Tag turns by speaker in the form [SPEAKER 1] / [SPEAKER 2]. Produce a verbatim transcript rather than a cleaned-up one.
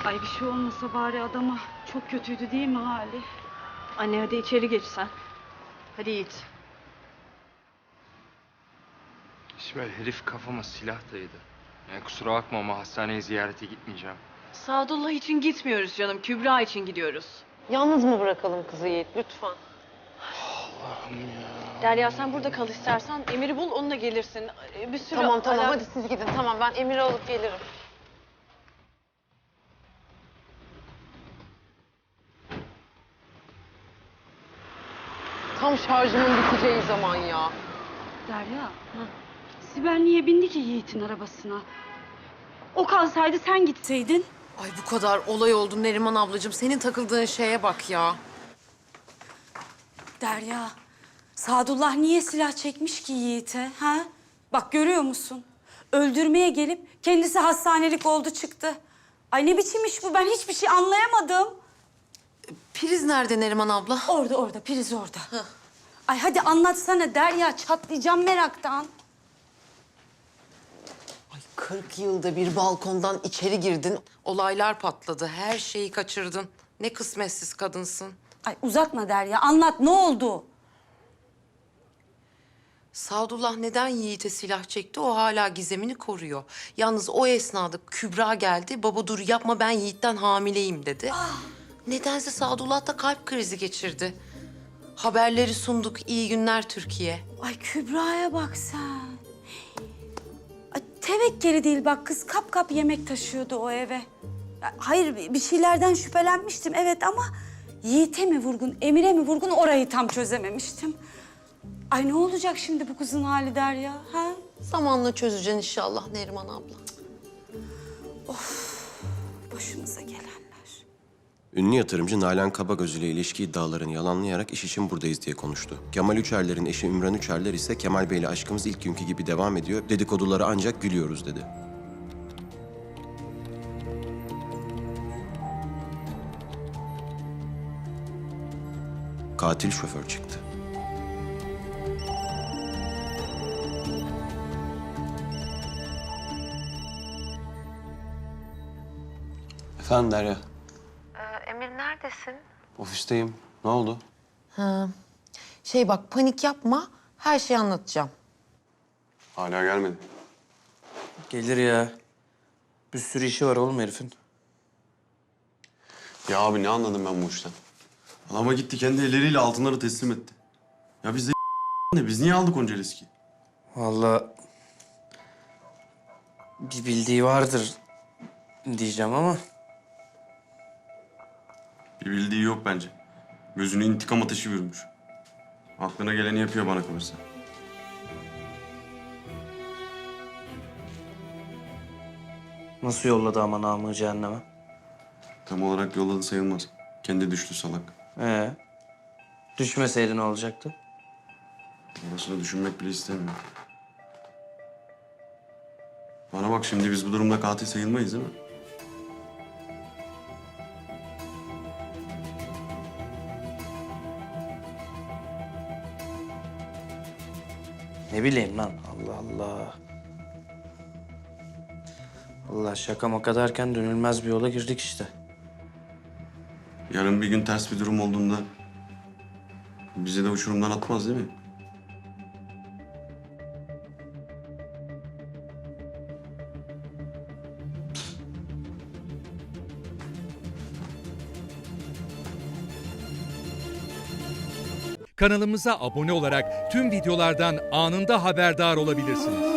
[SPEAKER 1] Ay bir şey olmasa bari adama. Çok kötüydü değil mi hali?
[SPEAKER 2] Anne hadi içeri geç sen. Hadi Yiğit.
[SPEAKER 3] İsmail, herif kafama silah dayadı. Yani kusura bakma ama hastaneye ziyarete gitmeyeceğim.
[SPEAKER 2] Sadullah için gitmiyoruz canım. Kübra için gidiyoruz.
[SPEAKER 4] Yalnız mı bırakalım kızı Yiğit lütfen?
[SPEAKER 3] Allah'ım ya.
[SPEAKER 2] Derya sen burada kal istersen. Emir'i bul onunla gelirsin. Bir sürü
[SPEAKER 4] Tamam tamam
[SPEAKER 2] alak-
[SPEAKER 4] hadi siz gidin. Tamam ben Emir'i alıp gelirim. Tam şarjımın biteceği zaman ya.
[SPEAKER 1] Derya. Sibel niye bindi ki Yiğit'in arabasına? O kalsaydı sen gitseydin.
[SPEAKER 4] Ay bu kadar olay oldu Neriman ablacığım. Senin takıldığın şeye bak ya.
[SPEAKER 1] Derya. Sadullah niye silah çekmiş ki Yiğit'e? Ha? Bak görüyor musun? Öldürmeye gelip kendisi hastanelik oldu çıktı. Ay ne biçim iş bu? Ben hiçbir şey anlayamadım.
[SPEAKER 4] Priz nerede Neriman abla?
[SPEAKER 1] Orada orada, priz orada. Ay hadi anlatsana Derya, çatlayacağım meraktan.
[SPEAKER 4] Ay kırk yılda bir balkondan içeri girdin. Olaylar patladı. Her şeyi kaçırdın. Ne kısmetsiz kadınsın.
[SPEAKER 1] Ay uzatma Derya, anlat ne oldu?
[SPEAKER 4] Sadullah neden Yiğit'e silah çekti? O hala gizemini koruyor. Yalnız o esnada Kübra geldi. Baba dur yapma ben Yiğit'ten hamileyim dedi. Nedense Sadullah da kalp krizi geçirdi. Haberleri sunduk. İyi günler Türkiye.
[SPEAKER 1] Ay Kübra'ya bak sen. Ay, tevekkeli değil bak kız kap kap yemek taşıyordu o eve. Ya, hayır bir şeylerden şüphelenmiştim evet ama... Yiğit'e mi vurgun, Emir'e mi vurgun orayı tam çözememiştim. Ay ne olacak şimdi bu kızın hali Derya ha?
[SPEAKER 4] Zamanla çözeceksin inşallah Neriman abla.
[SPEAKER 1] Başımıza gelenler.
[SPEAKER 5] Ünlü yatırımcı Nalan Kabagöz ile ilişki iddialarını yalanlayarak iş için buradayız diye konuştu. Kemal Üçerler'in eşi Ümran Üçerler ise Kemal Bey'le aşkımız ilk günkü gibi devam ediyor. Dedikodulara ancak gülüyoruz dedi. Katil şoför çıktı.
[SPEAKER 6] Efendim Derya,
[SPEAKER 4] Ee, Emir neredesin?
[SPEAKER 6] ofisteyim. Ne oldu?
[SPEAKER 4] Ha. Şey bak panik yapma. Her şeyi anlatacağım.
[SPEAKER 6] Hala gelmedi.
[SPEAKER 7] Gelir ya. Bir sürü işi var oğlum herifin.
[SPEAKER 6] Ya abi ne anladım ben bu işten? Adama gitti kendi elleriyle altınları teslim etti. Ya biz de ne? Biz niye aldık onca riski?
[SPEAKER 7] Vallahi bir bildiği vardır diyeceğim ama
[SPEAKER 6] Bir bildiği yok bence. Gözüne intikam ateşi vurmuş. Aklına geleni yapıyor bana kalırsa.
[SPEAKER 7] nasıl yolladı ama namı cehenneme?
[SPEAKER 6] Tam olarak yolladı sayılmaz. Kendi düştü salak.
[SPEAKER 7] Ee, düşmeseydi ne olacaktı?
[SPEAKER 6] Orasını düşünmek bile istemiyorum. Bana bak şimdi biz bu durumda katil sayılmayız değil mi?
[SPEAKER 7] Ne bileyim lan Allah Allah. Allah şaka maka derken dönülmez bir yola girdik işte.
[SPEAKER 6] Yarın bir gün ters bir durum olduğunda bizi de uçurumdan atmaz değil mi?
[SPEAKER 8] Kanalımıza abone olarak tüm videolardan anında haberdar olabilirsiniz.